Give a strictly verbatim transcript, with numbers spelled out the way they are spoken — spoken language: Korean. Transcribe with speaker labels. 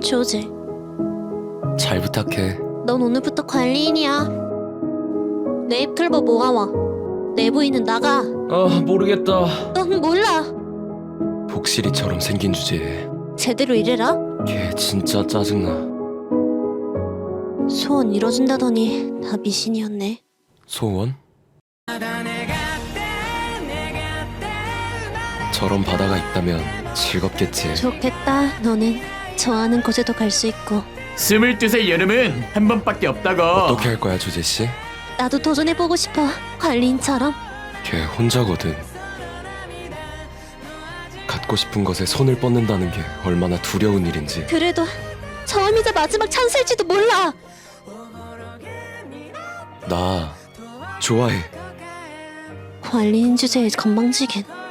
Speaker 1: 조제,
Speaker 2: 잘 부탁해.
Speaker 1: 넌 오늘부터 관리인이야. 네잎 클버 모아와. 내부인은 나가.
Speaker 2: 아 모르겠다.
Speaker 1: 넌 몰라.
Speaker 2: 복실이처럼 생긴 주제에
Speaker 1: 제대로 일해라.
Speaker 2: 걔 진짜 짜증나.
Speaker 1: 소원 이뤄준다더니 다 미신이었네.
Speaker 2: 소원? 저런 바다가 있다면 즐겁겠지.
Speaker 1: 좋겠다. 너는 좋아하는 곳에도 갈 수 있고.
Speaker 3: 스물두 살 여름은 한 번밖에 없다고.
Speaker 2: 어떻게 할 거야 주제씨?
Speaker 1: 나도 도전해보고 싶어. 관리인처럼.
Speaker 2: 걔 혼자거든. 갖고 싶은 것에 손을 뻗는다는 게 얼마나 두려운 일인지.
Speaker 1: 그래도 처음이자 마지막 찬스일지도 몰라.
Speaker 2: 나 좋아해.
Speaker 1: 관리인 주제에 건방지긴.